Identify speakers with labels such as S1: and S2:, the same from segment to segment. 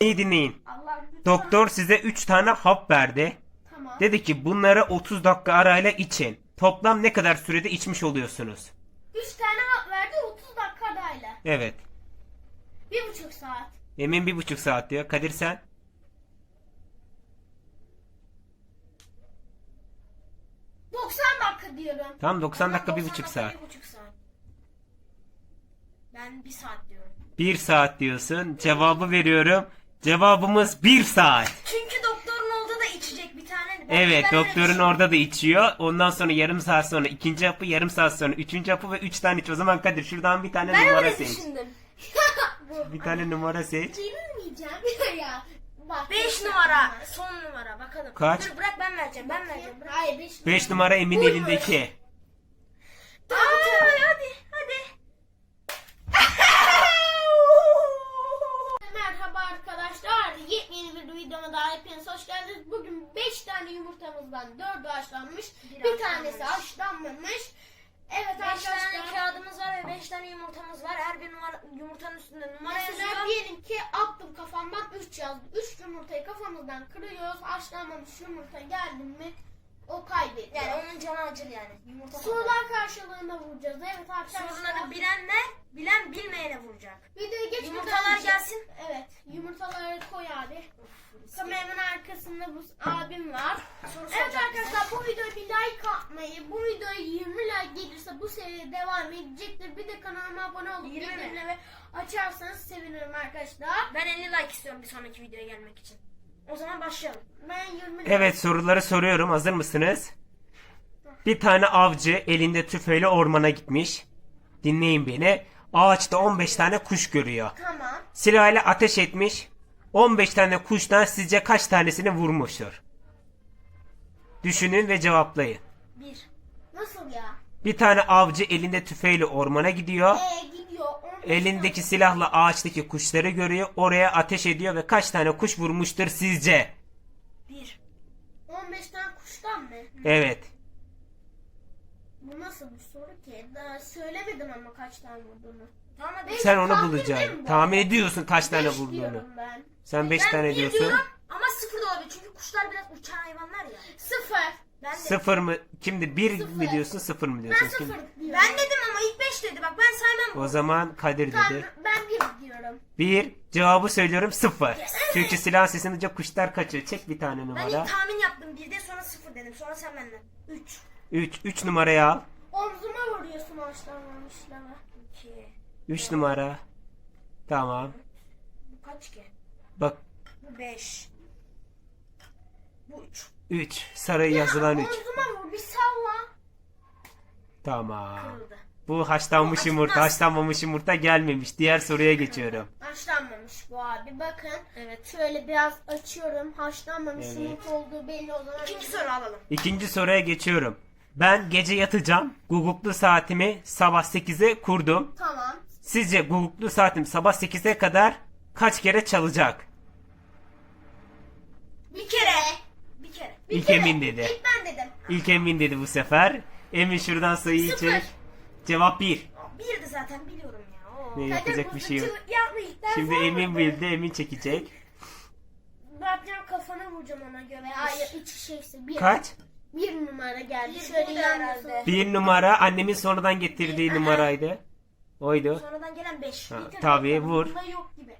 S1: İyi dinleyin.
S2: Allah lütfen.
S1: Doktor size 3 tane hap verdi.
S2: Tamam.
S1: Dedi ki bunları 30 dakika arayla için. Toplam ne kadar sürede içmiş oluyorsunuz?
S2: 3 tane hap verdi 30 dakika arayla.
S1: Evet.
S2: 1,5 saat.
S1: Emin 1,5 saat diyor. Kadir sen?
S2: 90 dakika diyorum.
S1: Tamam 90 dakika
S3: 90
S1: 1,5 saat.
S3: 1,5 saat. Ben 1 saat diyorum.
S1: 1 saat diyorsun. Cevabı veriyorum. Cevabımız 1 saat.
S3: Çünkü doktorun orada da içecek bir tane.
S1: Evet,
S3: Ben öyle
S1: doktorun
S3: düşünüyorum.
S1: orada da içiyor. Ondan sonra yarım saat sonra ikinci hapı, yarım saat sonra üçüncü hapı ve 3 tane iç. O zaman Kadir şuradan bir tane
S3: Ben
S1: numara
S3: öyle
S1: seç.
S3: düşündüm.
S1: Bir tane numara seç.
S2: Yenilmeyeceğim ya. Bak,
S3: 5 numara. Son numara bakalım.
S1: Kaç?
S3: Dur bırak ben vereceğim. Ben vereceğim. Bırak.
S2: Hayır 5
S1: 5 numara Emin
S3: Buymuş.
S1: elindeki.
S3: Dur, hadi.
S2: Merhaba arkadaşlar. Yepyeni bir videoma daha hepiniz hoş geldiniz. Bugün 5 tane yumurtamızdan 4'ü haşlanmış. Bir tanesi haşlanmamış. Evet
S3: 5 tane
S2: arkadaşlar.
S3: kağıdımız var ve 5 tane yumurtamız var. Her bir yumurtanın üstünde numara
S2: Mesela
S3: yazıyor.
S2: diyelim ki attım kafamdan 3 yazdı. 3 yumurtayı kafamızdan kırıyoruz. Haşlanmamış yumurta geldi mi o kaybediyor.
S3: Yani onun canı acır yani. Yumurta
S2: Sorular karşılığında vuracağız. Evet arkadaşlar.
S3: Soruları bilen bilmeyene vuracak.
S2: Videoya geçmeden
S3: Yumurtalar
S2: önce-
S3: gelsin.
S2: Evet. Yumurtaları koy abi. Kameranın arkasında bu abim var.
S3: Soru
S2: Evet
S3: soracak
S2: arkadaşlar bu videoya bir like atmayı, bu videoya 20 like gelirse bu seri devam edecektir. Bir de kanalıma abone olup
S3: 20 mi?
S2: bildirimleri açarsanız sevinirim arkadaşlar.
S3: Ben 50 like istiyorum bir sonraki videoya gelmek için. O zaman başlayalım.
S2: Ben 20
S1: Evet, soruları soruyorum. Hazır mısınız? Bir tane avcı elinde tüfeğiyle ormana gitmiş. Dinleyin beni. Ağaçta 15 tane kuş görüyor.
S2: Tamam.
S1: Silahıyla ateş etmiş. 15 tane kuştan sizce kaç tanesini vurmuştur? Düşünün ve cevaplayın.
S3: 1.
S2: Nasıl ya?
S1: Bir tane avcı elinde tüfeğiyle ormana gidiyor.
S2: Gidiyor. 15
S1: Elindeki silahla ağaçtaki kuşları görüyor. Oraya ateş ediyor ve kaç tane kuş vurmuştur sizce?
S3: 1.
S2: 15 tane kuştan mı?
S1: Evet.
S2: Bu nasıl bir soru ki? Daha söylemedim ama kaç tane vurduğunu.
S3: Tamam hadi.
S2: Beş
S1: Sen onu
S2: tahmin
S1: bulacaksın.
S2: değil mi bu
S1: Tahmin
S2: arada?
S1: ediyorsun kaç tane
S2: 5
S1: vurduğunu.
S2: diyorum ben.
S1: Sen 5
S3: Ben
S1: tane
S3: bir
S1: diyorsun.
S3: diyorum ama 0 da olabilir çünkü kuşlar biraz uçan hayvanlar ya.
S2: 0.
S3: Ben de.
S1: 0 mı? Kimdi? 1 mi
S2: Sıfır.
S1: diyorsun 0 mı
S2: Ben
S1: diyorsun?
S2: 0
S1: Kim?
S2: diyorum.
S3: Ben dedim ama ilk 5 dedi. Bak ben saymam.
S1: O zaman Kadir dedi.
S2: Ben 1 diyorum.
S1: 1. Cevabı söylüyorum 0. Çünkü silah sesini duyunca kuşlar kaçıyor. Çek bir tane
S3: Ben
S1: numara.
S3: ilk tahmin yaptım. 1'de sonra 0 dedim. Sonra sen benden. 3.
S1: 3. 3 numarayı al.
S2: Omzuma vuruyorsun haşlanmamışlara.
S3: 2.
S1: 3 numara. Tamam.
S3: Bu kaç ki?
S1: Bak
S3: Bu 5. Bu 3.
S1: 3. Sarı yazılan 3.
S2: Omzuma vur bir salla.
S1: Tamam.
S3: Kırıldı.
S1: Bu haşlanmış
S3: Bu
S1: yumurta.
S3: acıtmaz.
S1: Haşlanmamış yumurta gelmemiş. Diğer soruya geçiyorum.
S2: Haşlanmamış bu abi. Bakın.
S3: Evet.
S2: Şöyle biraz açıyorum. Haşlanmamış
S1: Evet.
S2: yumurta olduğu belli o zaman.
S3: İkinci soru alalım.
S1: İkinci soruya geçiyorum. Ben gece yatacağım. Guguklu saatimi sabah 8'e kurdum.
S2: Tamam.
S1: Sizce guguklu saatim sabah 8'e kadar kaç kere çalacak?
S2: Bir kere.
S3: Bir kere.
S1: İlk Emin dedi.
S2: İlk ben dedim.
S1: İlk Emin dedi bu sefer. Emin şuradan sayıyı
S2: Sıfır.
S1: çek. Cevap 1.
S3: 1'di zaten biliyorum ya. Oo.
S1: Ne yapacak bir şey yok. Şimdi Emin bildi. Emin çekecek.
S2: Ben kafana vuracağım ona göre. Hayır iç şeysi. Bir.
S1: Kaç?
S2: 1 numara geldi.
S3: Bir
S2: Şöyle
S3: burada
S2: yanmasın.
S3: herhalde.
S1: 1 numara annemin sonradan getirdiği numaraydı. Oydu.
S3: Sonradan gelen 5.
S1: Ha, tabii vur.
S2: Bunda yok gibi.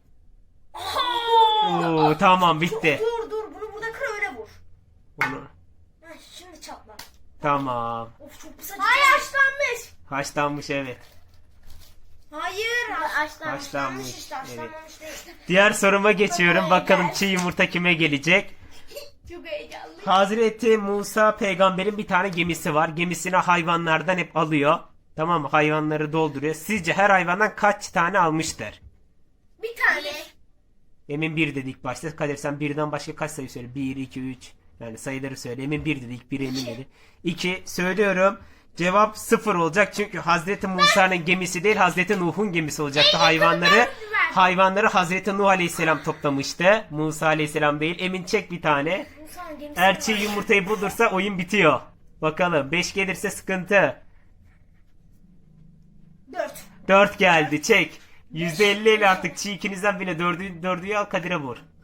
S1: Oo, tamam bitti.
S3: Dur bunu burada kır öyle vur.
S1: Onu.
S3: Heh, şimdi çatla.
S1: Tamam.
S3: Of çok pis
S2: Hayır
S3: acıtıyor.
S2: haşlanmış.
S1: Haşlanmış evet.
S3: Hayır.
S2: Haşlanmış.
S1: Haşlanmış.
S3: işte haşlanmamış değil.
S1: Diğer soruma geçiyorum. Bakalım çiğ yumurta kime gelecek?
S2: Çok heyecanlı.
S1: Hazreti Musa peygamberin bir tane gemisi var. Gemisine hayvanlardan hep alıyor. Tamam mı? Hayvanları dolduruyor. Sizce her hayvandan kaç tane almıştır?
S2: Bir tane.
S1: Emin 1 dedi ilk başta. Kadir sen birden başka kaç sayı söyle? 1, 2, 3. Yani sayıları söyle. Emin 1 dedi. İlk 1 Emin dedi. 2 söylüyorum. Cevap 0 olacak. Çünkü Hazreti Musa'nın gemisi değil Hazreti Nuh'un gemisi olacaktı. Hayvanları Hazreti Nuh Aleyhisselam toplamıştı. Musa Aleyhisselam değil. Emin çek bir tane.
S3: Musa'nın gemisi
S1: Eğer
S3: var.
S1: çiğ yumurtayı bulursa oyun bitiyor. Bakalım 5 gelirse sıkıntı.
S3: 4.
S1: 4 geldi çek. %50 ile artık çiğ ikinizden bile dördüyü al Kadir'e vur.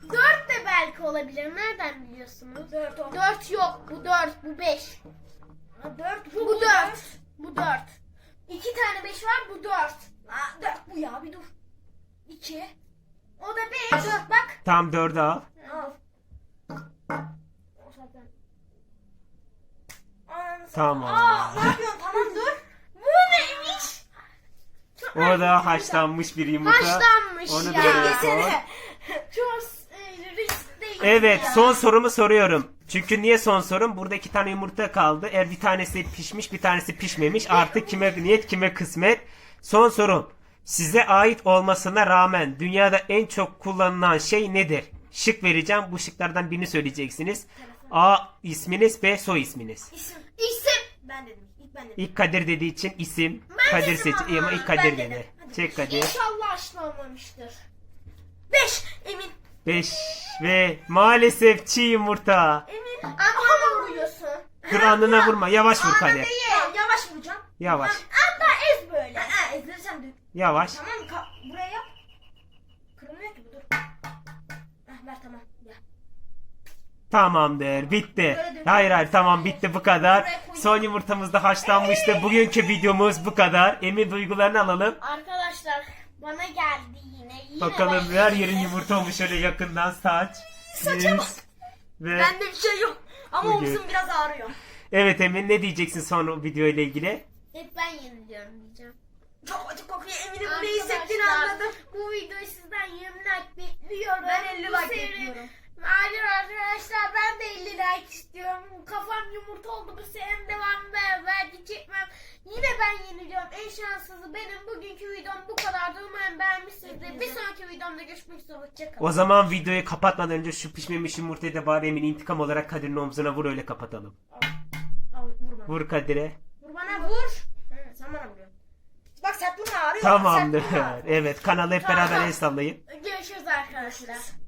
S2: belki olabilir. Nereden biliyorsunuz?
S3: 4 10.
S2: 4 yok. Bu 4. Bu 5.
S3: 4
S2: Bu 4. Bu 4. 2 tane 5 var. Bu 4.
S3: 4 bu ya bir dur. 2. O da 5. 4 bak.
S1: Tam 4'ü al.
S3: Al. O zaten. Ananı
S1: Tamam.
S3: Aa, ne yapıyorsun? Tamam dur.
S2: Bu neymiş?
S1: O da haşlanmış bir yumurta.
S2: Haşlanmış
S1: Onu
S2: ya.
S1: da böyle koy.
S3: Yesene.
S2: Çok riskli.
S1: Evet,
S2: ya.
S1: son sorumu soruyorum. Çünkü niye son sorum? Burada 2 tane yumurta kaldı. Eğer bir tanesi pişmiş, bir tanesi pişmemiş. Artık kime niyet, kime kısmet. Son sorum. Size ait olmasına rağmen dünyada en çok kullanılan şey nedir? Şık vereceğim. Bu şıklardan birini söyleyeceksiniz. A isminiz, B soy isminiz.
S3: İsim.
S2: İsim.
S3: Ben dedim. İlk ben dedim.
S1: İlk Kadir dediği için isim.
S2: Ben
S1: Kadir
S2: dedim
S1: seç.
S2: ama.
S1: Ama ilk
S3: Ben
S1: Kadir
S3: dedim.
S1: dedi.
S3: Hadi.
S1: Çek Kadir.
S2: İnşallah haşlanmamıştır.
S3: 5. Emin.
S1: 5 ve maalesef çiğ yumurta.
S3: Emin.
S2: Ama vuruyorsun.
S1: Dur alnına vurma. Yavaş vur Kadir.
S3: Tamam, yavaş vuracağım.
S1: Yavaş.
S3: Hatta ez böyle. Ezdirirsen dök.
S1: Yavaş.
S3: Tamam buraya yap. Kırılmıyor ki bu dur. Ver tamam. Ya.
S1: Tamamdır. Bitti. Hayır tamam bitti bu kadar. Son yumurtamız da haşlanmıştı. Bugünkü videomuz bu kadar. Emin duygularını alalım.
S2: Arkadaşlar bana geldi yine.
S1: Bakalım
S2: ben-
S1: her yerin yumurta olmuş şöyle yakından saç. Yüz. Ve
S3: Bende bir şey yok. Ama
S1: Bugün-
S3: omzum biraz ağrıyor.
S1: evet Emin ne diyeceksin son video ile ilgili?
S2: Hep ben yeniliyorum diyeceğim.
S3: Çok acı kokuyor. Eminim ne hissettiğini anladım.
S2: Bu videoyu sizden 20 like bekliyorum.
S3: Ben 50
S2: Bu
S3: like
S2: seri-
S3: bekliyorum.
S2: Hayır arkadaşlar ben de 50 like istiyorum. Kafam yumurta oldu bu serinin devamı belki çekmem. Yine ben yeniliyorum. En şanssızı benim. Bugünkü videom bu kadardı. Umarım beğenmişsinizdir. Bir sonraki videomda görüşmek üzere. Hoşçakalın.
S1: O zaman videoyu kapatmadan önce şu pişmemiş yumurtayı da bari Emin intikam olarak Kadir'in omzuna vur öyle kapatalım.
S3: Al vur bana.
S1: Vur Kadir'e.
S3: Vur bana vur. Sen bana vuruyorsun. Bak sertliğim ağrıyor.
S1: Tamamdır.
S3: Sertliğim ağrıyor.
S1: Evet kanalı hep beraber el sallayın.
S2: Görüşürüz arkadaşlar.